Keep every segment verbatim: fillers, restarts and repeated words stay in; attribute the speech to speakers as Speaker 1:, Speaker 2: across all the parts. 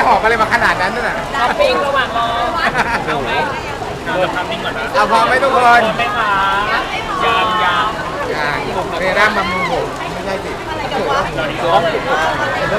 Speaker 1: หอบอะไรมาขนาดนั้นน่ะ
Speaker 2: ช้อปปิ้งระหว่างรอเอาไหมเราจะทำนิ่งก่อนนะ
Speaker 1: เอาพอไหมทุกคน
Speaker 2: ไม่ขายังยัง
Speaker 1: อ่าเซรั่มบำรุงผมไม่ใช่สิสวยว่าผมร้องผมจะ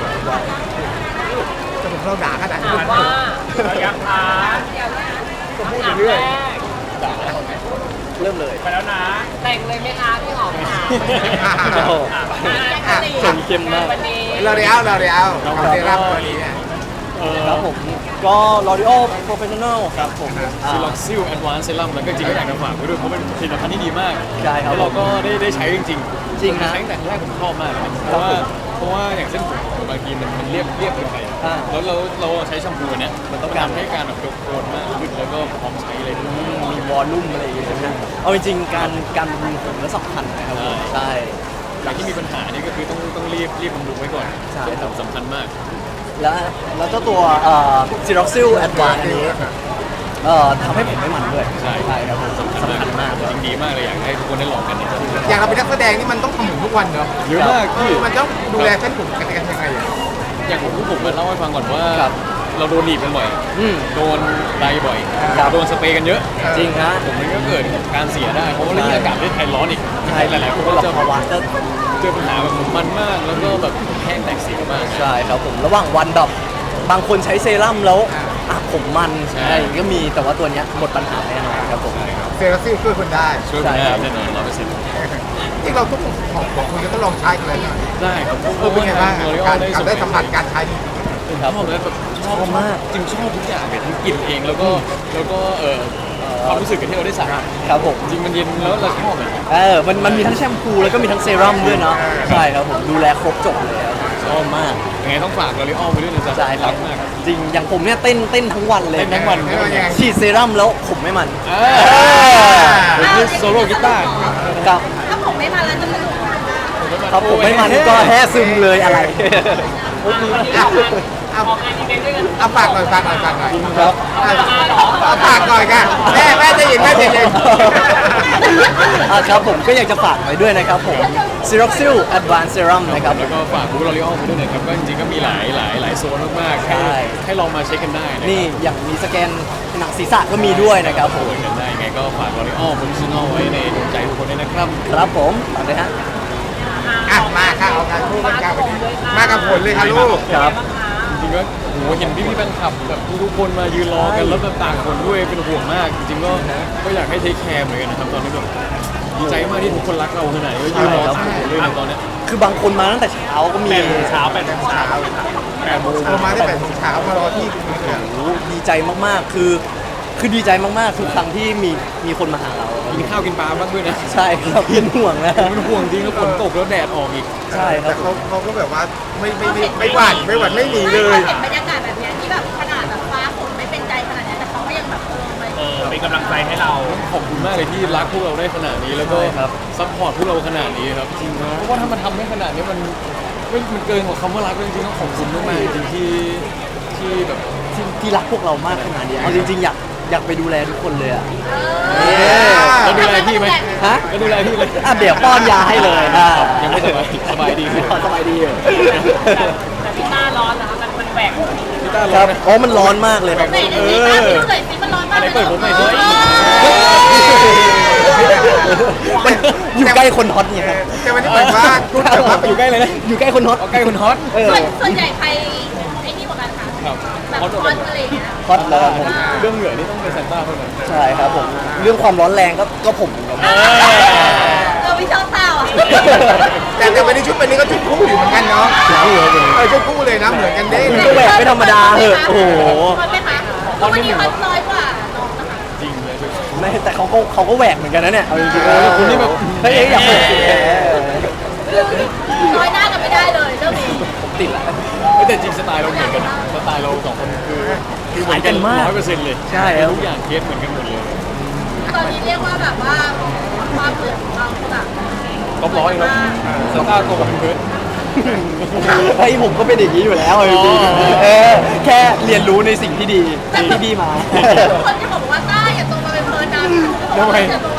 Speaker 1: ผมเราด่าขนาดนี้
Speaker 2: ถามว่าเราอยากทาน
Speaker 1: ก็พูดไปเรื่อย
Speaker 3: เริ่มเลย
Speaker 2: ไปแล้วนะ แต่งเลยไหมคะพี่หอมค่ะ
Speaker 3: โอ้โห
Speaker 1: อ่ะ
Speaker 3: ส่งเข้มมาก
Speaker 2: วันนี้
Speaker 1: เราเรียวเราเรียวเซรั่มตัวนี้เนี่ย
Speaker 3: ครับผมก็ L'Oreal Professional ครับผม
Speaker 4: ซิล็อกซิลแอดวานซ์เซรั่มแล้วก็จริงก็อยากจะฝากไว้ด้วยเพราะเป็นผลิตภัณฑ์ที่ดีมาก
Speaker 3: ใช่ครับ
Speaker 4: แล้วเราก็ได้ได้ใช้จริงๆ
Speaker 3: จริงนะ
Speaker 4: ใช้ตั้งแต่แรกผมชอบมากเลยเพราะว่าเพราะว่าอย่างเส้นผมบางทีมันมันเรียบเรียบเกินไป
Speaker 3: อ่า
Speaker 4: แล้วเราเราใช้แชมพูเนี้ยมันต้องการให้การแบบยกโคนมากขึ้นแล้วก็พร้อมใช้เลย
Speaker 3: มีวอลลุ่มอะไรอย่างเงี้ยนะเอาจริงๆการการบำรุงผมก็สำคัญนะครับผมใช่
Speaker 4: อย่างที่มีปัญหานี่ก็คือต้องต้องรีบรีบบำรุงไว้ก่อน
Speaker 3: ใช่
Speaker 4: เส้นผมสำคัญมาก
Speaker 3: แล้วแล้วเจ้าตัวเอ่อ Siroxil Advanced อันนี้เอ่อทำให้ผมไม่มันด้วย
Speaker 4: ใช่
Speaker 3: ใช่ครับผมสำคัญสำคัญมาก
Speaker 4: จริงดีมากเลยอยากให้ทุกคนได้ลองกันนะครับ
Speaker 1: อย่างเราเป็นนักแสดงนี่มันต้องทำผมทุกวันเนอะ
Speaker 4: เยอะมากพี่
Speaker 1: มันต้องดูแลเส้นผมกันยังไงอ่ะ
Speaker 4: อย่างผมผมมาเล่าให้ฟังก่อนว่า
Speaker 3: ครับ
Speaker 4: เราโดนหนีบกันบ่อย
Speaker 3: อืม
Speaker 4: โดนไดบ่อย
Speaker 3: ครับ
Speaker 4: โดนสเปรย์กันเยอะ
Speaker 3: จริงฮะ
Speaker 4: ผมมันก็เกิดการเสียได้ เพราะว่าเรื่องอากาศประเทศไทยร้อนอีก
Speaker 3: ใช่
Speaker 4: หลายๆคน
Speaker 3: ก็
Speaker 4: ก็
Speaker 3: จะ
Speaker 4: จะ
Speaker 3: ภาวะจะ
Speaker 4: เจอปัญหาแบบผมมันมาก แล้วก็แบบแห้งแตกสีมาก
Speaker 3: ใช่ครับผมระหว่างวันแบบบางคนใช้เซรั่มแล้วอ่ะผมมันอะไรอย่างเงี้ยก็มีแต่ว่าตัวเนี้ยหมดปัญหาแน่นอนครับผม
Speaker 1: เซรั่มซิลช่วยคนได้
Speaker 4: ช่วยคุณได้แน่นอนร้อยเปอร์เซ็นต์
Speaker 1: ที่เราทุกของของคุณก็ต้องลองใช้กันเลยนะ
Speaker 4: ได้ครับ
Speaker 1: เออเป็นไงบ้าง
Speaker 4: โอริโอ
Speaker 1: การ
Speaker 4: ได้
Speaker 1: การได้สัมผัสการใช้จริง
Speaker 4: ชอบเลยแบบชอบมาก จริงชอบทุกอย่างเลยทั้งกลิ่นเองแล้วก็แล้วก็เอ่อความรู้สึกกับที่เราได้สัมผัส
Speaker 3: ครับผม
Speaker 4: จริงมันเย็นแล้วเราชอบเลย
Speaker 3: เออมันมันมีทั้งแชมพูแล้วก็มีทั้งเซรั่มด้วยเนาะใช่ครับผมดูแลครบจบเลยครับชอบมาก
Speaker 4: ยังไงต้องฝากลอริออลไปด้วยนะจ๊ะ
Speaker 3: ใช่ครั
Speaker 4: รับ กมาก
Speaker 3: จริงอย่างผมเนี่ยเต้นเต้นทั้งวันเลย
Speaker 4: เต้นทั้งวัน
Speaker 1: เต้นทั้งวัน
Speaker 3: ฉีดเซรั่มแล้วผมไม่มัน
Speaker 4: อ่าผมคือโซโล่กีตาร์
Speaker 3: ครับ
Speaker 5: ถ้าผมไม่มาแล้วจะสนุกมาก
Speaker 3: ครับผมไม่มันก็แท้ซึมเลยอะไร
Speaker 1: เอาเอา
Speaker 2: ออกงานอีเวนต์ด้วยกัน
Speaker 1: เอาฝากหน่อยฝากหน่อยฝากหน่อย
Speaker 3: ครับ
Speaker 1: เอาเอาฝากหน่อยค่ะแม่แม่จะยินแม่จะยิน
Speaker 3: อ่ะครับผมก็อยากจะฝากไว้ด้วยนะครับผม Siroxil Advanced Serum นะครับ
Speaker 4: แล้วก็ฝากบูธลอริออลไปด้วยนะครับก็จริงๆก็มีหลายหลายหลายโซนมากๆให้
Speaker 3: ใช่
Speaker 4: ให้ลองมาเช็คกันได้ะครับ
Speaker 3: นี่อย่างมีสแกนหนังศีรษะก็มีด้วยนะครับผม
Speaker 4: ป่วยกันได้ยังไงก็ฝากลอริออลโปรดิชั่นอลไว้ในดวงใจทุกคนด้วยนะครับ
Speaker 3: ครับผมฝากเลยฮะ
Speaker 1: อ่ะมาค่ะเอาการพูดกันค่ะวันนี้มากับผลเลยค่ะลูก
Speaker 3: ครับ
Speaker 4: จริงๆก็โหเห็นพี่พี่ๆแฟนคลับแบบทุกๆคนมายืนรอกันแล้วแบบต่างคนด้วยเป็นห่วงมาก จริงๆก็ก็อยากให้เทคแคร์เหมือนกันนะครับตอนนี้แบบดีใจมากที่ทุกคนรักเราขนาดนี้ก็ยืนรอ
Speaker 3: ใช่ครับ
Speaker 4: ต่างคนด้วยนะตอนเนี้ย
Speaker 3: คือบางคนมาตั้งแต่เช้าก็มี
Speaker 4: แปดโมงเช้าแปดโมงเช้าแปดโมง
Speaker 1: เรามาได้แปดโมงเช้ามารอที่ตรงนี้เลย
Speaker 3: โอ้โหดีใจมากๆ คือ คือดีใจมากๆ ทุกครั้งที่มีมีคนมาหาเรา
Speaker 4: กินข้าวกินปลาบ้างด้วยนะ
Speaker 3: ใช่ครับเป็นห่วงนะ
Speaker 4: ผมเป็นห่วงจริงแล้วฝนตกแล้วแดดออกอีก
Speaker 3: ใช่ครั
Speaker 1: แต่
Speaker 3: บ
Speaker 1: เขาเขาก็แบบว่าไม่ไม่ไม่ไม่หวั่นไม่หวั่นไม่หนีเลย
Speaker 5: เห็นบรรยากาศแบบเนี้ยที่แบบขนาดแบบฟ้าฝนไม่เป็นใจขนาดเนี้ยแต่เขาก็ยังแบบเออไป
Speaker 2: เออเป็นกำลังใจให้เรา
Speaker 4: ขอบคุณมากเลยที่รักพวกเราได้ขนาดนี้แล้วก็
Speaker 3: ใช่ครับ
Speaker 4: ซัพพอร์ตพวกเราขนาดนี้ครับจริงเพราะว่าถ้ามันทำได้ขนาดนี้มันมันมันเกินกว่าคำว่ารักเลยจริงๆต้องขอบคุณมากๆจริงๆที่ที่แบบ
Speaker 3: ที่ที่รักพวกเรามากขนาดนี้เอาจริงๆ อยากอยากไปดูแลทุกคนเลยอะ
Speaker 4: แล้วดูแลพี่ไหม
Speaker 3: ฮะ
Speaker 4: แล้วดูแลพี่เลย
Speaker 3: อ่ะเดี๋ยวป้อนยาให้เลยอ่ะ
Speaker 4: ยังไม่สบายสบายดีไหม
Speaker 3: สบายดีอยู่
Speaker 2: แต่พี่ต้าร้อนนะคะมันมันแหวก
Speaker 4: พี่ต้า
Speaker 3: ค
Speaker 4: ร้อ
Speaker 3: รั
Speaker 4: น
Speaker 3: บ
Speaker 4: นะ
Speaker 3: อ๋อมันร้อนมากเลยครับ
Speaker 5: ไหนดูสิคะดูหน่อยสิมันร้อนมาก
Speaker 4: อะไร
Speaker 5: เลย
Speaker 4: เปิดผมหน่อยสิ
Speaker 3: มันอยู่ใกล้คนฮอตเนี่ยครับ
Speaker 1: แต่วันนี้เหมือนว่าคุณแบบว่า
Speaker 4: อยู่ใกล้เลยนะ
Speaker 3: อยู่ใกล้คนฮอต
Speaker 4: เอาใกล้คนฮอต
Speaker 3: เออ
Speaker 5: ส่วนส่วนใหญ่ใครไอ้นี่กว่ากันคะ
Speaker 4: ครับ
Speaker 5: แบบ
Speaker 4: ฮอต
Speaker 5: คอนอะไรอย่างเงี้ย
Speaker 3: ฮอตแล้วครับผม
Speaker 4: เรื่องเหงื่อนี่ต้องเป็นซานต้าเท่านั้น
Speaker 3: ใช่ครับผม เรื่องความร้อนแรงก็ก็ผมเหมือนกัน
Speaker 5: เออไม่ชอบเต้าอ่ะ
Speaker 1: แต่แต่วันนี้ชุดวันนี้ก็ชุดคู่อยู่เหมือนกันเนาะเออชุดคู่เลยนะเหมือนกันเด้
Speaker 3: มันก็แหวกไม่ธรรมดาเหอะโอ้โห
Speaker 5: คอนไหมคะวันนี้คอนน้อยกว่าน้องนะคะ
Speaker 4: จริงเลย
Speaker 3: ไม่แต่เขาก็เขาก็แหวกเหมือนกันนะเนี่ยเอาจริงๆ
Speaker 4: เออคุณนี่แบบ
Speaker 3: เฮ้ยอยากแหวกสิ
Speaker 5: น้อยหน้ากันไม่ได้เลยเรื่องนี้
Speaker 3: ผมติดละ
Speaker 4: เฮ้ยแต่จริงสไตล์เราเหมือนกันนะสไตล์เราสองคนคือคือเหมือนกัน
Speaker 3: มาก
Speaker 4: ร้อยเปอร์เซ็นต์เลย
Speaker 3: ใช่ครับ
Speaker 4: ทุกอย่างเคสเหมือนกันหมดเลย
Speaker 5: ตอนนี้เรียกว่าแบบว่าความเหมือนของเราคือแบบ
Speaker 4: ก็ร้อยแล้วซานต้าโตกับเพิร์ด
Speaker 3: เฮ้ยผมก็เป็นอย่างนี้อยู่แล้วเอาจริง
Speaker 4: อ๋อ
Speaker 3: ๆเออแค่เรียนรู้ในสิ่งที่ดีที่พี่มา
Speaker 5: คนที่บอกว่าต้าอย่าตรงมาเป็นเพลินนะอย่าตรงมา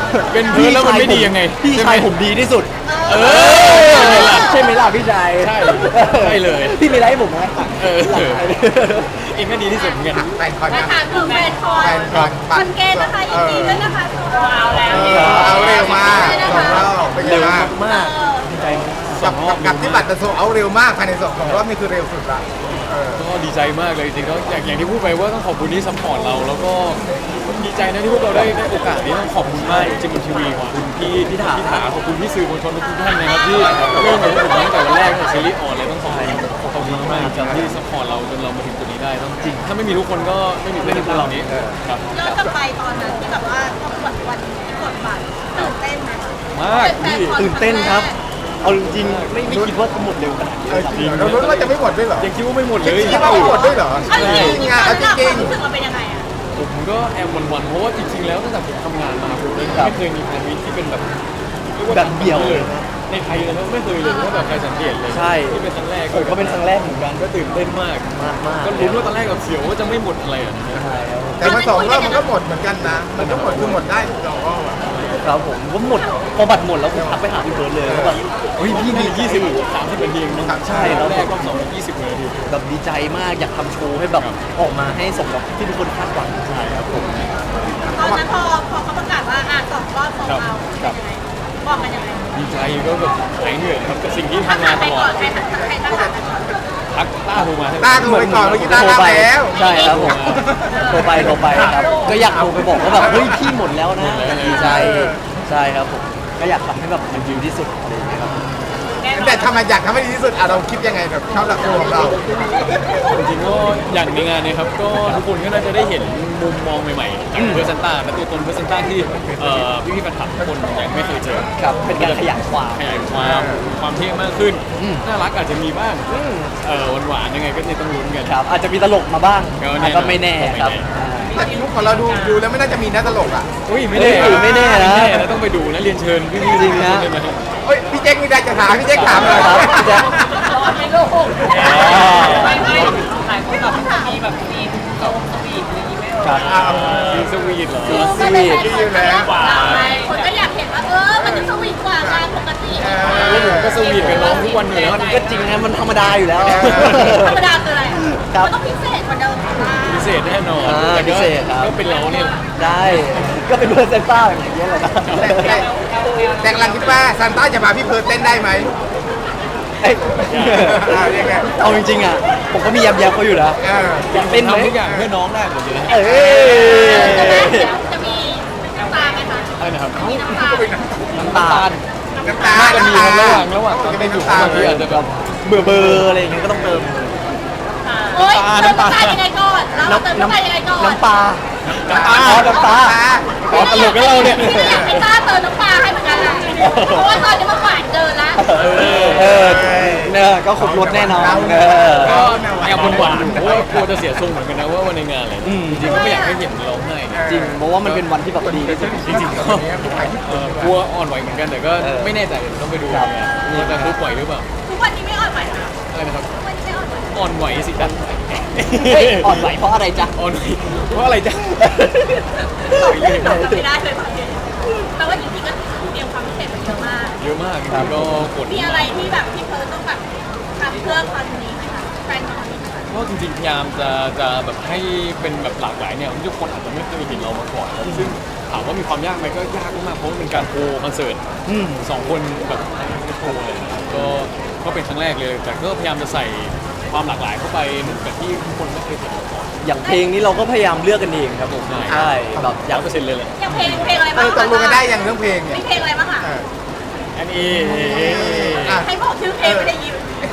Speaker 4: เป็นเพื่อนแล้วมันไม่ดียังไง
Speaker 3: พี่
Speaker 4: ใช่ไหม
Speaker 3: ชายผมดีที่สุด
Speaker 4: เออ
Speaker 3: ใช่ไหมล่ะพี่ชาย
Speaker 4: ใช่ใช่เลย
Speaker 3: พี่มีอะไรให้ผมไหม
Speaker 4: เออเองก็ดีที่สุดเหมือนกัน
Speaker 1: แฟนคอน
Speaker 5: มา
Speaker 1: นะ
Speaker 5: ถามถึงแฟนคอน
Speaker 1: แฟนคอน
Speaker 5: คอนเกณฑ์นะคะยินดีด้วยนะคะว้าวแล้ว
Speaker 1: เออเอาเร็วมากสองรอบเป็นไง
Speaker 3: เร็ว
Speaker 1: บ้าง
Speaker 3: มากดีใจมาก
Speaker 1: กับกับกับที่บัตรจะโซเอาเร็วมากภายในสองสองรอบนี่คือเร็วสุดละเออ
Speaker 4: ก็ดีใจมากเลยจริงๆก็อย่างอย่างที่พูดไปว่าต้องขอบคุณที่ซัพพอร์ตเรา แล้วก็ดีใจนะที่พวกเราได้ได้โอกาสนี้ต้องขอบคุณมากจริงๆบนทีวีขอบคุณพี่พี่ถาพี่ถาขอบคุณพี่สื่อมวลชนทุกท่านนะครับที่เริ่มกับพวกผมตั้งแต่วันแรกในซีรีส์ออนเลยต้องขอบคุณขอบคุณมากจริงๆที่ซัพพอร์ตเราจนเรามาถึงจุดนี้ได้ต้องจริงถ้าไม่มีทุกคนก็ไม่มีไม่มีพวกเรานี้ครับ
Speaker 5: ย้อนกลับไปตอนนั้นที่แบบว่าต้องกดวันที่กดบัตรตื่นเต้นไหม
Speaker 4: มากพี่
Speaker 3: ตื่นเต้นครับ เอาจริงๆไม่ไม่คิดว่าจะหมดเร็วขนาดนี้
Speaker 1: เออจริงเหรอเรารู้ว่าจะไม่หมดด้วยเหรอ
Speaker 4: ยังคิดว่าไม่หมดเลย
Speaker 1: คิดว่าไม่หมดด้วยเหรอ
Speaker 5: เอาจริง
Speaker 1: จริง
Speaker 5: ๆ
Speaker 1: อ่ะ
Speaker 5: ตอ
Speaker 1: เอา
Speaker 5: น
Speaker 1: จ
Speaker 5: นั้น
Speaker 1: ริง
Speaker 5: รู้สึกเราเป็นยังไงอะ
Speaker 4: ผมก็แอบหวันๆเพราะว่าจริงๆแล้วตั้งแต่ผมทำงานมาผมไม่เคยมีแฟนมิตที่เป็นแบบรีกว่า
Speaker 3: แบบเดี่ยวเลยนะ
Speaker 4: ในไทยเลยนะไม่เคยเลยว่าแบบใครสังเกตเลย
Speaker 3: ใช่
Speaker 4: ที่เป็นครั้งแรก
Speaker 3: ผมก็เป็นครั้งแรกเหมือนกัน
Speaker 4: ก็ตื่นเต้นมาก
Speaker 3: มากมาก
Speaker 4: ก็ลุ้นว่าตอนแรกกับเสียวว่าจะไม่หมดอะไรอ่ะนะ
Speaker 3: ใช่ครับ
Speaker 1: ๆแต่พอสองรอบมันก็หมดเหมือนกันนะ มันก็หมดคือหมดได้สองรอบอะ
Speaker 3: ครับผมก็หมดพอบัตรหมดแล้วผมทักไปหาพี่เบิร์ดเลยแล้วแบบ
Speaker 4: เฮ้ยพี่มียี่สิบสามสิบนาทีเองนะ
Speaker 3: ใช่แล้ว
Speaker 4: แรกรอบสองยี่สิบนาที
Speaker 3: แบบดีใจมากอยากทำโชว์ให้แบบออกมาให้สมกับที่ทุกคนคาดหวังใช่ครับผม
Speaker 5: ตอนนั้นพอพอเขาประกาศว่าอ่ะสองรอบสองเอาเป็นยังไงบอกกันยังไง
Speaker 4: ดีใจก็แบบหายเหนื่อยครับกับสิ่งที่
Speaker 5: ทัก
Speaker 4: ทำมา
Speaker 5: หา
Speaker 4: ต
Speaker 5: ใคร
Speaker 4: ลอ
Speaker 5: ก่อ
Speaker 4: ด
Speaker 5: นใครทักใครทักหาใครก่อน
Speaker 4: ทักต้าโทรมาให้
Speaker 1: ต้าโทรไปก่อนเมื่อกี้ต้า
Speaker 3: โทร
Speaker 1: รับ
Speaker 3: ไป
Speaker 1: แล้ว
Speaker 3: ใช่ครับผมโทรไปโทรไปครับก็อยากโทรไปบอกว่าแบบเฮ้ยพี่หมดแล้วนะดีใจใช่ครับผมก็อยากทำให้แบบมันดีที่สุดอะไรอย่างเงี้ยครับ
Speaker 1: แต่ทำไมอยากทำให้ดีที่สุดอ่ะเราคิดยังไงแบบชอบหลักตัวของเรา
Speaker 4: จริงๆก็อย่างในงานเนี้ครับก็ทุกคนก็น่าจะได้เห็นมุมมองใหม่ๆจากเพอร์เซนต้าและตัวตนเพอร์เซนต้าที่เอ่อพี่ๆแฟนคลับทุกคนยังไม่เคยเจอ
Speaker 3: ครับเป็นการขยายความ
Speaker 4: ขยายความความเท่มากขึ้น
Speaker 3: อืม
Speaker 4: น่ารักอาจจะมีบ้างเออหวานๆยังไงก็เนี่ยต้องลุ้นกัน
Speaker 3: ครับอาจจะมีตลกมาบ้าง
Speaker 4: ก็แน่นอน
Speaker 3: ก็ไม่แน่ครับ
Speaker 1: ถ้าลุกของเราดูดูแล้วไม่น่าจะมีน่าตลกอ่ะ
Speaker 4: อุ้ยไม่แน่
Speaker 3: เอ้ยไม่แน่นะ
Speaker 4: ไม่แน่นะต้องไปดูนะเรียนเชิญพี่ๆ
Speaker 3: จริงนะ
Speaker 4: ทุกคนเลยนะ
Speaker 1: เฮ้ยพี่แจ็คมีอะไรจะถามพี่แจ็คถามเลย
Speaker 3: ครับพี่แจ๊ค
Speaker 5: รอดไม่ลูก
Speaker 2: ไม่ไม่หลายคนแบบมีแบบมีโซมสวีทอะไรอย่างงี้ไหม
Speaker 3: ครับ
Speaker 1: อ้าว
Speaker 4: มีสวีทเหรอ
Speaker 5: คือมันเป็นแฟนคอนเขาอยากเราไงคนก็อยากเห็นว่าเออมันจะสวีทกว่างานปกติ
Speaker 4: แล้วผมก็สวีทกับน้องทุกวันอยู่แล้ว
Speaker 3: มันก็จริงนะมันธรรมดาอยู่แล้ว
Speaker 5: ธรรมดาคืออะไร
Speaker 3: ครับ
Speaker 5: มันต้องพิเศษกว่าเดิมค่ะ
Speaker 4: พิเศษแน่นอน
Speaker 3: อ่า
Speaker 4: แต่ก็
Speaker 3: พิเศษครับ
Speaker 4: ก็เป็นเราเนี่ย
Speaker 3: ได้ก็เป็นเพื่อนเซนต้าอย่างเงี้ยแหละนะ
Speaker 1: แต่แต่แต่กำลังคิดว่าซานต้าจะพาพี่เพิร์ดเต้นได้ไหม
Speaker 3: เอ้ย
Speaker 1: อ่ายังไง
Speaker 3: เอาจริงๆอ่ะผมก็มียำยำเขาอยู่นะ
Speaker 1: เออ
Speaker 3: อยากเต้นไหม
Speaker 4: ทำทุกอย่างเพื่อน้องได้หมดเลยนะ
Speaker 3: เอ้ย
Speaker 5: จะมีจะมีน้ำตาไหมคะ
Speaker 4: ใช่นะครับ
Speaker 5: มีน้ำตาไหม
Speaker 3: น้ำตาล
Speaker 1: น้ำตา
Speaker 4: น่าจะมีครับระหว่างระหว่างตอน
Speaker 1: จะ
Speaker 4: เป็
Speaker 1: เป็น น
Speaker 4: อยู่
Speaker 1: น้ำตา
Speaker 4: บางทีอาจจะแบบ
Speaker 3: เบื่อเบอร์อะไรอย่างเงี้ยก็ต้องเติม
Speaker 5: โอ๊ยเติมน้ำตายังไงก่อนเราเติมน้ำตายังไงก่อน
Speaker 3: น้ำปลา
Speaker 4: น้ำตา
Speaker 3: อ๋อน้ำตา
Speaker 4: อ๋อตลกกับเราเนี่ย
Speaker 5: พี่อยากให้ต้าเติมน้ำปลาให้เหมือนกันอะเพราะว่าตอนนี้มันหวานเกินละ
Speaker 3: เออเออเนี่ยก็ครบรถแน่นอนเออ
Speaker 4: ก็แอบหวั่นๆอยู่เพราะว่ากลัวจะเสียทรงเหมือนกันนะว่าวันในงานอะไร
Speaker 3: อืม
Speaker 4: จริงๆก็ไม่อยากให้เห็นร้องไห้ไง
Speaker 3: จริงเพราะว่ามันเป็นวันที่แบบดีที่สุด
Speaker 4: จริงๆก็เอ่อกลัวอ่อนไหวเหมือนกันแต่ก็
Speaker 3: เออ
Speaker 4: ไม่แน่ใจเดี๋ยวต้องไปดู
Speaker 3: ครับ
Speaker 4: ว่าจะรู้ปล่อยหรือเปล่า
Speaker 5: ทุกวันนี้ไม่อ่อนไหวนะ
Speaker 4: อะไรนะครับ
Speaker 5: ทุกวันนี้ไม่อ่อนไหว
Speaker 4: อ่อนไหวสิจ๊ะ
Speaker 3: เฮ้ยอ่อนไหวเพราะอะไรจ๊ะ
Speaker 4: อ่อนไหวเพราะอะไรจ๊ะ
Speaker 5: ตอบไม่ได้เลยบางทีแต่ว่าจริงๆก็เตรียมความพิเศษมาเยอะมาก
Speaker 4: เยอะมากจริงๆก็กด
Speaker 5: มีอะไรที่แบบที่เพิร์ลต้องแบบทำเพื่อคอนนี้ไหมคะแฟนคอนนี้ไหมคะ
Speaker 4: ก็จริงๆพยายามจะจะแบบให้เป็นแบบหลากหลายเนี่ยทุกคนอาจจะไม่เคยเห็นเรามาก่อนซึ่งถามว่ามีความยากไหมก็ยากมากๆเพราะมันเป็นการโชว์คอนเสิร์ต
Speaker 3: อืม
Speaker 4: สองคนแบบไม่โชว์เลยนะครับก็ก็เป็นครั้งแรกเลย แต่ก็พยายามจะใส่ความหลากหลายเข้าไปเหมือนกับที่ทุกคนไม่เคยเห็นมาก่อน
Speaker 3: อย่างเพลงนี้เราก็พยายามเลือกกันเองครับผม
Speaker 4: ใช่
Speaker 3: ใช่แบบอ
Speaker 4: ร้
Speaker 3: ยา
Speaker 4: อก ยเปอร์เซ็นต์เลยแหละ
Speaker 5: อย่างเพลงเพลงอะไร
Speaker 1: เอ
Speaker 5: บ้าง
Speaker 1: อตกลงกันได้อย่างเรื่องเพลงเนี่ย
Speaker 5: มีเพลงอะไรบ้างคะ
Speaker 1: เออ
Speaker 4: อันนี้
Speaker 1: อ่ะ
Speaker 5: ให้บอกชื่อเพลงไม่ได้ยิน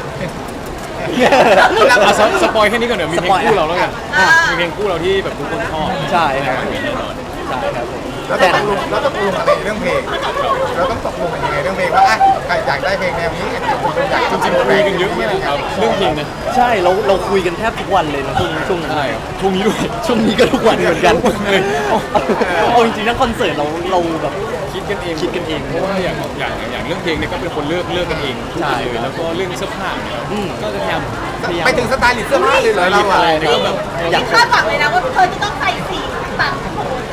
Speaker 4: อ่ะสสปอยแค่นี้ก่อนเดี๋ยวมีเพลงคู่เราแล้วกัน
Speaker 5: อ่า
Speaker 4: มีเพลงคู่เราที่แบบทุกคนชอบ
Speaker 3: ใช่ครับ
Speaker 4: แน่นอน
Speaker 3: ใช่ครับผม
Speaker 1: เราต้องตกลงเราต้องตกลงอะไรเรื่องเพลง เราต้องตกลงกันยังไงเรื่องเพลงว่าอ่ะใครอยากได้เพลงแนวนี้อยากอยาก
Speaker 4: จริงๆคุยกันเยอะมากครับเรื่องเพลงนะ
Speaker 3: ใช่เราเราคุยกันแทบทุกวันเลยนะช่วงช่วงนั้น
Speaker 4: ใช่ครับช่วงนี้ด้วย
Speaker 3: ช่วงนี้ก็ทุกวันเหมือนกันเอาจริงๆทั้งคอนเสิร์ตเราเราแบบ
Speaker 4: คิดกันเอง
Speaker 3: คิดกันเอง
Speaker 4: เพราะว่าอย่างอย่างอย่างเรื่องเพลงเนี่ยก็เป็นคนเลือกเลือกกันเองทุก
Speaker 3: ใช่
Speaker 4: คนเลยแล้วก็เรื่องเสื้อผ้าเนี่ย
Speaker 3: อืม
Speaker 4: ก็จะพยายาม
Speaker 1: ไปถึงสไตล์ลิสต์เสื้อผ้าเลยเหรอเราอ่ะ
Speaker 4: อะไรเนี่ยก็แบบ
Speaker 3: อยาก
Speaker 5: คาดหวังเลยนะว่าเธอจะต้องใส่สีต่างโอ้โห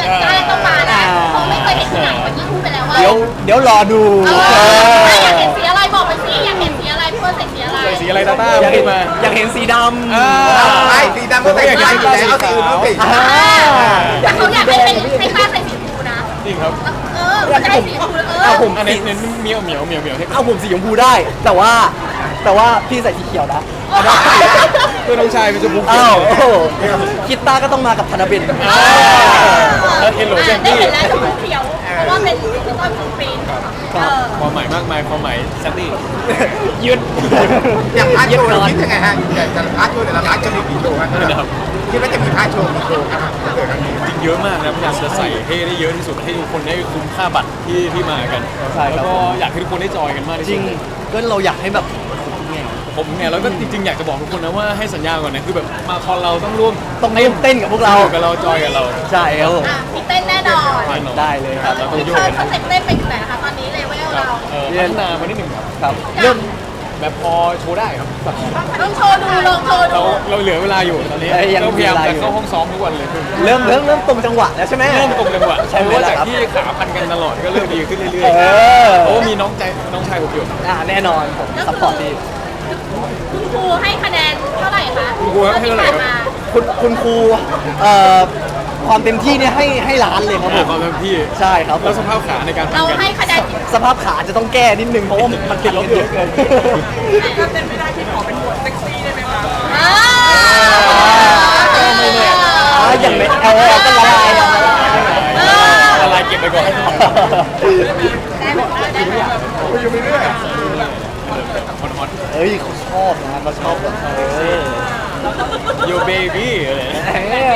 Speaker 5: แต่กล้าต้องมานะเพราะไม่เคยเห็นที่ไหนเมื่อกี้พูดไปแล้วว่า
Speaker 3: เดี๋ยวเดี๋ยวรอดู
Speaker 5: เอ
Speaker 3: เอ
Speaker 5: อ
Speaker 3: อ
Speaker 5: อยากเห็นสีอะไรบอกไปสิอยากเห็นสีอะไรพี่เฟิร์นใส่สีอะไร
Speaker 4: ใส่สีอะไรตาต้า
Speaker 3: อยาก
Speaker 4: พู
Speaker 3: เห็
Speaker 4: ด
Speaker 3: น
Speaker 4: มา
Speaker 3: อยากเห็นสีดำ
Speaker 4: อ่า
Speaker 1: ไอ้สีดำก็ใส่ได้อยู่แล้วเอาสีอื่นต้องสี
Speaker 3: อ่า
Speaker 5: แต่เขาอยากให้เป็นให้ป้าใส่สีชมพูนะ
Speaker 4: จริงครับ
Speaker 5: เออมันจะได้สีชมพูเออ
Speaker 3: เอาผม
Speaker 4: อันนี้เน้นเหมียวเหมียวเหมียวเหมียวให้
Speaker 3: เอาผมสีชมพูได้ แต่ว่าแต่ว่าพี่ใส่สีเขียวนะ
Speaker 4: เพื่อนน้องชายเป็นชมพู
Speaker 3: อ้าวโอ้โหคิดตาก็ต้องมากับธนเบน
Speaker 4: อ่าแล้วเฮลโลเจน
Speaker 5: ได้
Speaker 4: ตี้
Speaker 5: เห็นแล้วชมพูเขียว เพราะว่าเป็นพี่ต้นของฟรีนเออ
Speaker 4: ความหมายมากมายความหมายแซนดี้
Speaker 3: ยืด
Speaker 1: อย่างพาร์ทโชว์เราคิดยังไงฮะอยากจะพาร์ทโชว์แต่ละพาร์ทจะมีกี่โชว์ครับคิดว่าจะมีพาร์ทโชว์กี่โชว์ครับเกิดครั้งนี้
Speaker 4: จริงเยอะมากนะพยายามจะใส่ให้ได้เยอะที่สุดให้ทุกคนได้คุ้มค่าบัตรที่ที่มากัน
Speaker 3: ใช่ครับ
Speaker 4: แล้วก็อยากให้ทุกคนได้จอยกันมากที่
Speaker 3: จ
Speaker 4: สุ
Speaker 3: ริ
Speaker 4: ด
Speaker 3: งก็เราอยากให้แบบไง
Speaker 4: ผมเนี่ยแล้วก็จริงๆอยากจะบอกทุกคนนะว่าให้สัญญาก่อนนะคือแบบมาคอนเราต้องร่วม
Speaker 3: ต้องเต้นเต้นกับพวกเรา
Speaker 4: อยู่กับเราจอยกับเรา
Speaker 3: ใช่ครับผม
Speaker 5: อ่ะมีเต้นแน่นอน
Speaker 4: แน่นอน
Speaker 3: ได้เลยครับ
Speaker 4: เราต้องโย
Speaker 5: เธ
Speaker 4: ก
Speaker 5: อ
Speaker 4: กัน
Speaker 5: สเต็ปเต้นไปถึงไหนนะคะตอนนี้เลเวล
Speaker 4: ครับ
Speaker 5: เรา
Speaker 4: เออพัฒนามานิดหนึ่งครับ
Speaker 3: ครับเริ่ม
Speaker 4: แบบพอโชว์ได้ครับแบบ
Speaker 5: ต้องโชว์ดูลองโชว์
Speaker 4: เรา
Speaker 5: ดู
Speaker 4: เราเหลือเวลาอยู่ตอนนี้
Speaker 3: เอ้ยยัง
Speaker 4: เราพยายาม
Speaker 3: มีเวลา
Speaker 4: จะ
Speaker 3: อยู่
Speaker 4: เข้าห้องซ้อมทุกวันเลย
Speaker 3: เริ่มเริ่มเริ่มตรงจังหวะแล้วใช่ไหม
Speaker 4: เริ่มตรงจังหวะ
Speaker 3: ใช่ไหม
Speaker 4: เพราะว่า
Speaker 3: ล่ะ
Speaker 4: จาก
Speaker 3: ครับ
Speaker 4: ที่ขาพันกันตลอดก็เริ่มดีขึ้นเรื่อย
Speaker 3: เออ
Speaker 4: ๆเพราะว่ามีน้องใจน้องชายผมอยู่
Speaker 3: อ่าแน่นอนผมซัพพอร์ตดี
Speaker 5: คุณครูให้คะแนนเท่าไหร่คะ
Speaker 4: คุณครูให้เท่าไหร่ครับ
Speaker 5: ที่ผ่นมา
Speaker 3: คุณคุณครูเอ่อความเต็มที่เนี่ยให้ให้ล้านเลยครับผ
Speaker 4: อ่าม ความเต็มที่
Speaker 3: ใช่ครับผ
Speaker 4: แล้ว
Speaker 3: ม
Speaker 4: สภาพขาในการพัน
Speaker 5: เรา
Speaker 4: กัน
Speaker 5: ให้คะแนนกี่
Speaker 3: สภาพขาจะต้องแก้นิดนึงเพราะว่ามันติดลบเยอะเกิน
Speaker 2: ถ้าเป็นไม่ได้ที่ขอเป็นบทเซ็กซี่ได้ไหมคะ
Speaker 5: อ่า
Speaker 3: ไม่แน่อ่าอย่างในเอลก็ละลาย
Speaker 4: ละลายเก็บไปก่อน
Speaker 5: ได้หมดได้หมด
Speaker 1: อยู่ไปเรื่อย
Speaker 4: ฮอนฮอน
Speaker 3: เอ้ยเขาชอบนะเขาชอบแบบเออ
Speaker 4: โยเบบี้อะไร
Speaker 3: เออ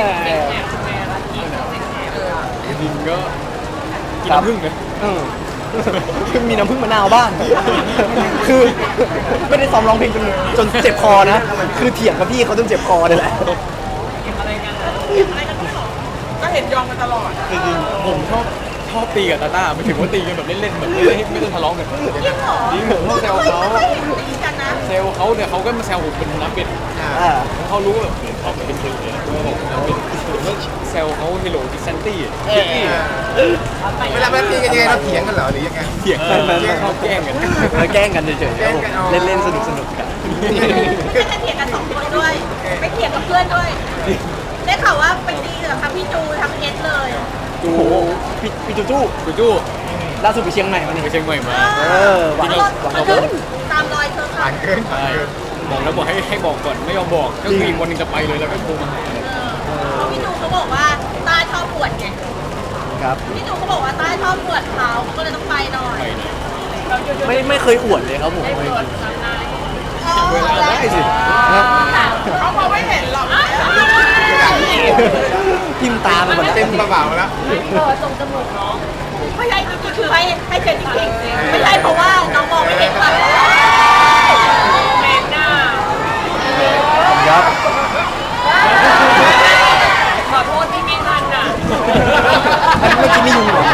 Speaker 4: จริงก็กินน้ำผึ้งนะ
Speaker 3: เออคือมีน้ำผึ้งมะนาวบ้าง คือไม่ได้ซ้อมร้องเพลงจนจนเจ็บคอนะ คือเถียงกับพี่เขาจนเจ็บคอเลยแหละ
Speaker 2: ก็เห็นยอมกันตลอด
Speaker 4: จริงๆผมชอบชอบตีกับตาต้าไม่ถึงว่าตีกันแบบเล่นๆแบบไม่ได้ไม่ได้ทะเลาะกัน
Speaker 5: จริงเหรอ
Speaker 4: จริงผมชอบแซวเขา
Speaker 5: ไม่เห็นตีกันนะ
Speaker 4: แซวเขาเนี่ยเขาก็มาแซวผมเป็นน้ำเป็ด
Speaker 3: อ่า
Speaker 4: เขารู้ว่าแบบเขาเป็นคนเลยผมเป็นผมก็แซวเขาเฮโลดิซันตี้
Speaker 1: เวลาเราตีกันยังไงเราเถียงกันเหรอหรือยังไง
Speaker 4: เถียงกันชอบแกล้งกัน
Speaker 3: มาแกล้งกันเฉยๆครับผม
Speaker 1: แกล้งกันอ๋อ
Speaker 3: เล่นๆสนุกๆกัน
Speaker 5: ไม่จะเถียงกันสองคนด้วย ไม่เถียงกับเพื่อนด้วย ได้ข่าวว่าไปตีกับทั้งพี่จูทั้งเอสเลย
Speaker 4: จู
Speaker 3: โอ้โหพี่พี่จูจู
Speaker 4: จูจู
Speaker 3: ล่าสุดไปเชียงใหม่มานี่
Speaker 4: ไปเชียงใหม่มา
Speaker 3: เออหวาน
Speaker 5: รถ
Speaker 3: หวาน
Speaker 5: มัน
Speaker 3: เกิ
Speaker 5: ขึ้
Speaker 3: น
Speaker 5: นตามรอยเธอค่ะ
Speaker 1: ผ่านเกินผ่าน
Speaker 4: ใช่
Speaker 1: เกิน
Speaker 4: บอกแล้วบอกให้ให้บอกก่อนไม่ยอมบอกก็คืออีกวันหนึงจะไปเลยแล้วก็โทรมาหา
Speaker 5: เพราะพี่จูเขาบอกว่าต้าชอบปวดไง
Speaker 3: ครับ
Speaker 5: พี่จูเขาบอกว่าต้าชอบปวดเท้าก็เลยต้องไปหน่อย
Speaker 4: ไปนะ
Speaker 3: ไม่ไม่เคยอวดเลยครับผม
Speaker 4: เวลาได้สิ
Speaker 2: เขามองไม่เห็นหรอก
Speaker 3: ทิมตาไปหมดแล้ว
Speaker 1: เต็มกระเป๋าแล้ว
Speaker 5: ไม่ใช่จริงๆคือให้ให้เจนจริงๆไม่ใช่เพราะว่าน้องมองไม่เห็นป่ะ
Speaker 2: เมนหน้า
Speaker 3: ครับ
Speaker 2: ขอโทษที่ไม่ทันอ่ะ
Speaker 3: อันเมื่อกี้ไม่ยุ่งหรอ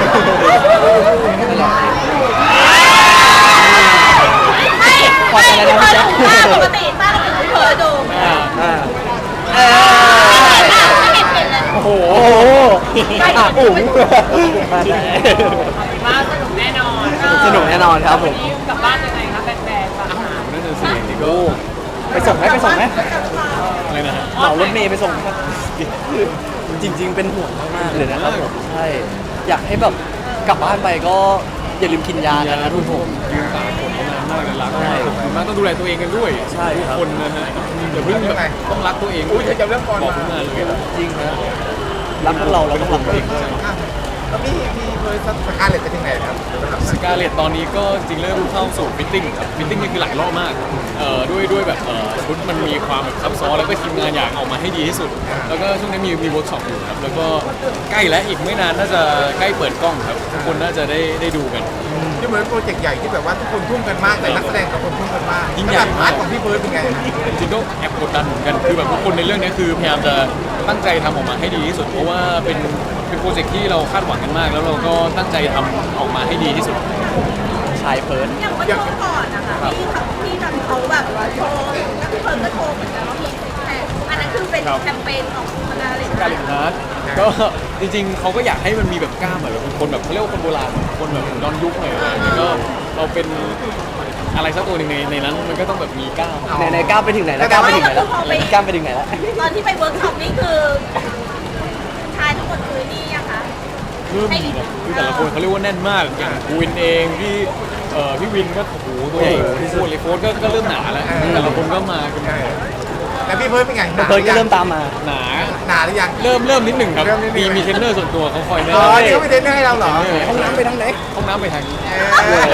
Speaker 5: ไม่ไม่พี่เพิร์ดดูต้าปกติต้าเราถึงพี่เพิร์ดดู
Speaker 4: อ่า
Speaker 3: อ่า
Speaker 5: เออไม่เห็นเห็นเลย
Speaker 3: โอ้โหอ่ะอุ๋ง
Speaker 2: มาสนุกแน่นอน
Speaker 3: สนุกแน่นอนครับผม
Speaker 2: วันนี้กลับบ้านยังไงคะแฟนๆฝากถาม
Speaker 4: นั่นน่ะสินี่ก็
Speaker 3: ไปส่งไหมไปส่งไหม
Speaker 4: อะไรนะฮะ
Speaker 3: เหมารถเมย์ไปส่งไหมจริง ๆ เป็นห่วงมากๆเลยนะครับผมใช่อยากให้แบบกลับบ้านไปก็อย่าลืมกินยากันนะทุกคน
Speaker 4: ยืนตากฝนมานานมากเลยรักมากขอบคุณมากต้องดูแลตัวเองกันด้วย
Speaker 3: ใช่ครับ
Speaker 4: ทุกคนนะฮะอย่าเพิ่งแบบต้องรักตัวเอง
Speaker 1: อุ้ยจะเรื่องก่อน
Speaker 4: บอก
Speaker 1: มา
Speaker 4: ทุกงานเลย
Speaker 3: จริงนะรักทั้งเราเราต้องรักตัวเองด้วย
Speaker 1: แล้วพี่พี่เพิร์ดสกาเลตไปถึงไหนครับสำหรับ
Speaker 4: สกาเลตตอนนี้ก็จริงเริ่มเข้าสู่ฟิตติ้งครับฟิตติ้งนี่คือหลายรอบมากเอ่อด้วยด้วยแบบเอ่อชุดมันมีความแบบซับซ้อนแล้วก็ทีมงานอยากออกมาให้ดีที่สุด แล้วก็ช่วงนี้มีมีเวิร์กช็อปอยู่ครับแล้วก็ใกล้แล้วอีกไม่นานน่าจะใกล้เปิดกล้องครับทุกคนน่าจะได้ได้ดูกัน
Speaker 1: ที่เหมือนโปรเจกต์ใหญ่ที่แบบว่าทุกคนทุ่มกันมากแต่นักแสดงกับคนทุ่มกันมาก
Speaker 4: ยิ่งใหญ่
Speaker 1: พาร์ทของพี่เพิร์ดเป็นไง
Speaker 4: จริงๆก็แอบกดดันเหมือนกันคือแบบทุกคนในเรื่องนี้คือพยายามจะตั้งใจทำออกมาให้ดีที่สุด เพราะว่าเป็นเป็นโปรเจกต์ที่เราคาดหวังกันมาก แล้วเราก็ตั้งใจทำออกมาให้ดีที่สุด
Speaker 3: ชายเพิร์ด
Speaker 5: อย่างเมื่อช่วงก่อนนะคะที่เขาที่ทำเขาแบบโชว์แล้วพี่เพิร์ดก็โชว์เหมือนกันว่ามีซิกแพคอันนั้นคือเป็น
Speaker 4: ครับ
Speaker 5: แคมเปญของคณะอะไร
Speaker 4: การเล่นฮาร์ดก็จริงๆเขาก็อยากให้มันมีแบบกล้ามอะแบบคนแบบเขาเรียกว่าคนโบราณคนแบบย้อนยุคหน่อยอะไรอย่างเงี้ยก็เราเป็นอะไรสักตัวหนึ่งในในนั้นมันก็ต้องแบบมีกล้าม
Speaker 3: ในในก้าวไปถึงไหนแล้วก้าวไปถึงไหนแล้วก้าวไปถึงไหนแล้ว
Speaker 5: ตอนที่ไปเวิร์กช็อปนี่คือชายทั้งหมดคือนี่ยังคะ
Speaker 4: คือมีแบบคือแต่ละคนเขาเรียกว่าแน่นมากอย่างกูวินเองพี่เอ่อพี่วินก็โอ้โหตัวใหญ่พี่โฟนเลยโฟนก็ก็เริ่มหนาแล้วแต่ละคนก็มากัน
Speaker 1: เออแล้วพี่เพิร์ดเป็นไง
Speaker 3: เพิร์ดก็เริ่มตามมา
Speaker 4: หนา
Speaker 1: หนาหรือยัง
Speaker 4: เริ่มเริ่มนิดหนึ่งครับ
Speaker 1: เริ่มนิดหนึ่
Speaker 4: มี
Speaker 1: ง
Speaker 4: มีเทรนเนอร์ส่วนตัวเขาคอยแนะ
Speaker 1: อ๋อน
Speaker 4: ำ
Speaker 1: นี่เขาไปเทรนเนอร์ให้เราเหรอ
Speaker 3: ห้องน้ำไปทางไหน
Speaker 4: ห้องน้ำไปทางนี้
Speaker 1: เออ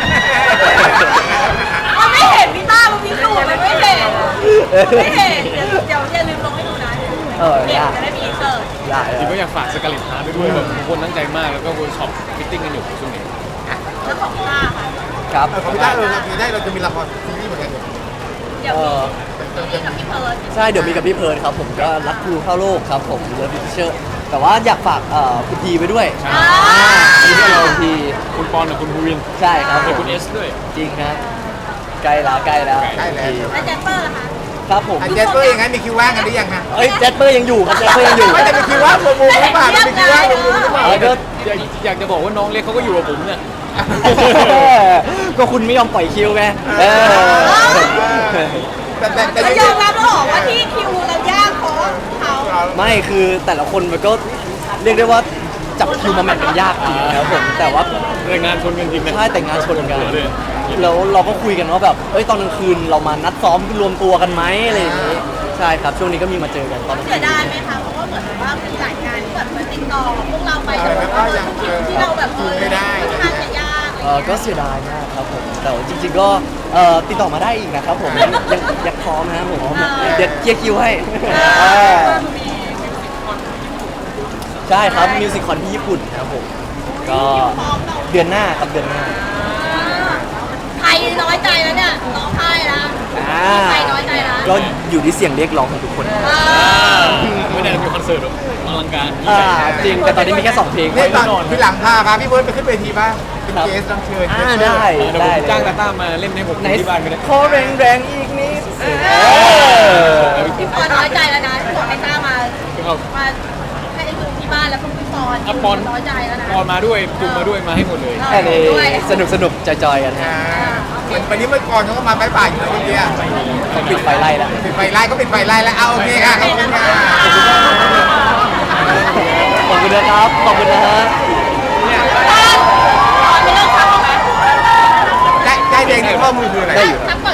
Speaker 5: มันไม่เห็นพี่ต้ามันมีสูตรมันไม่เห็นไม่เห็นเดี๋ยวเดี๋ยวอย่าลืมลงให้ดูนะ
Speaker 3: เออ
Speaker 5: เด็ก
Speaker 3: ยาก
Speaker 5: จะได้มีอินเสิร์ต
Speaker 3: ได้
Speaker 4: จริงก็อยากฝากสกาเลตฮาร์ดด้วยแบบทุกคนตั้งใจมากแล้วก็เวิร์กช็อปฟิตติ้งกันอยู่ช่วงนี้
Speaker 5: แล้วของต้าค่ะ
Speaker 3: ครับ
Speaker 1: เออของพี่ต้าเออพี่ได้เราจะมีละครซีรีส์เหมือนกัน
Speaker 5: เดี๋ยว
Speaker 3: เอ
Speaker 5: มี
Speaker 3: อ
Speaker 5: มีกับพี่เพิร์ด
Speaker 3: ใช่เดี๋ยวมีกับพี่เพิร์ดครับผมก็รักครูเข้าโลกครับผมเลิฟพิเชอร์แต่ว่าอยากฝากเอ่อคุณทีไปด้วย
Speaker 4: ใช่
Speaker 3: อ่ามีด้วยเราที
Speaker 4: คุณปอนกับคุณภูวิน
Speaker 3: ใช่ครับผ
Speaker 4: แล้ว
Speaker 3: ม
Speaker 4: คุณเอสด้วย
Speaker 3: จริงครับใกล้แล้วใกล้แล้ว
Speaker 1: ใกล้แล้ว
Speaker 5: แล้วแจมเปอร์ล่ะคะ
Speaker 3: ครับผม
Speaker 1: อ่ะเจสเปอร์ยังไงมีคิวว่างกันหรือยังฮะ
Speaker 3: เอ้ยแจสเปอร์ยังอยู่ครับแจสเปอร์ยังอยู่
Speaker 1: ไม่แต่มีคิวว่างมุมมุมหรือเปล่าแต่มีคิวว่างมุมมุมหรือเปล่า
Speaker 3: แล้วก็
Speaker 4: อยากอยากจะบอกว่าน้องเล็กเขาก็อยู่กับผมเนี่ย
Speaker 3: ก็คุณไม่ยอมปล่อยคิวไงเออ
Speaker 1: แต่แต่แต่
Speaker 5: ก็
Speaker 1: ยัง
Speaker 5: ยอมรับแล้วเหรอว่าที่คิวเรายากเพราะเขา
Speaker 3: ไม่คือแต่ละคนมันก็เรียกได้ว่าจับคิวมาแมทกันยากจริงครับผมแต่ว่า
Speaker 4: แต่งานชนกันจริงนะ
Speaker 3: ใช่แต่งงานชนกัน
Speaker 4: เลย
Speaker 3: แล้วเราก็คุยกันว่าแบบเอ้ยตอนกลางคืนเรามานัดซ้อมรวมตัวกันไหมอะไรอย่างนี้ใช่ครับช่วงนี้ก็มีมาเจอกันตอนกลาง
Speaker 5: เสี
Speaker 3: คื
Speaker 5: ย
Speaker 3: น
Speaker 5: ดายไหมคะเพราะว่าเหมือนว่าเป็นหลายงานที่แบบมันติดต่อพวกเราไปแต่ว่าที่เราแบบเออค่อนข้างจะยาก
Speaker 3: เออก็เสียดายมากครับผมแต่ว่าจริง ๆก็เอ่อติดต่อมาได้อีกนะครับผมยังยังยังพร้อมนะครับผมเดี๋ยวเคลียร์คิวให้เออใช่ครับมิวสิคคอนที่ญี่ปุ่นครับผมก็เดือนหน้าครับเดือนหน้า
Speaker 5: ใครน้อยใจแล้วเนี่ยร้องไห้นะ
Speaker 3: อ่า
Speaker 5: ใครน้อยใจนะ
Speaker 3: ก็อยู่ที่เสียงเรียกร้องของทุกคน
Speaker 4: ไม่ได้มีคอนเสิร์ตหรอกอลังการยิ่ง
Speaker 3: อ่า
Speaker 4: ใหญ่
Speaker 3: จริงแต่ตอนนี้มีแค่สองเพลง
Speaker 1: นี่ตอนพี่หลังพาพาพี่เพิร์ดไปขึ้นเวทีบ้างเป็นเกสรับเชิญ
Speaker 3: อ่าได้
Speaker 4: เดี๋ยวผม
Speaker 3: ได้เลย
Speaker 4: จ้างตาต้ามาเล่นให้ผม
Speaker 3: ไหน
Speaker 4: ที่บ้านก็ได้
Speaker 3: ขอแรงแรงๆอีกนิดเออ
Speaker 5: พี่ปอนน้อยใจแล้วนะที่บอกให้ต้ามา
Speaker 4: ครับ
Speaker 5: มาให้ดูที่บ้านแล้วคุณพี่ปอน
Speaker 4: อ่ะปอน
Speaker 5: น้อยใจแล้วนะ
Speaker 4: ปอนมาด้วยจุงมาด้วยมาให้หมดเลย
Speaker 3: แค่นี้สนุกสนุกจอยๆกันฮะ
Speaker 1: อ่าเหมือนวันนี้เมื่อก่อนเขาก็มาบายบายอยู่แล้วเมื่อกี้อ่ะ
Speaker 3: เขาปิดไฟไล่แล้ว
Speaker 1: ปิดไฟไล่ก็ปิดไฟไล่แล้วเอาโอเคค่ะขอบคุณค่ะ
Speaker 3: ขอบคุณนะครับ ขอบคุณนะฮะ
Speaker 5: ปอนไม่เลิกทำหรอไหม
Speaker 1: ใจใจแดงในข้อมือคืออะไร
Speaker 3: ได้อยู่
Speaker 5: ทักก่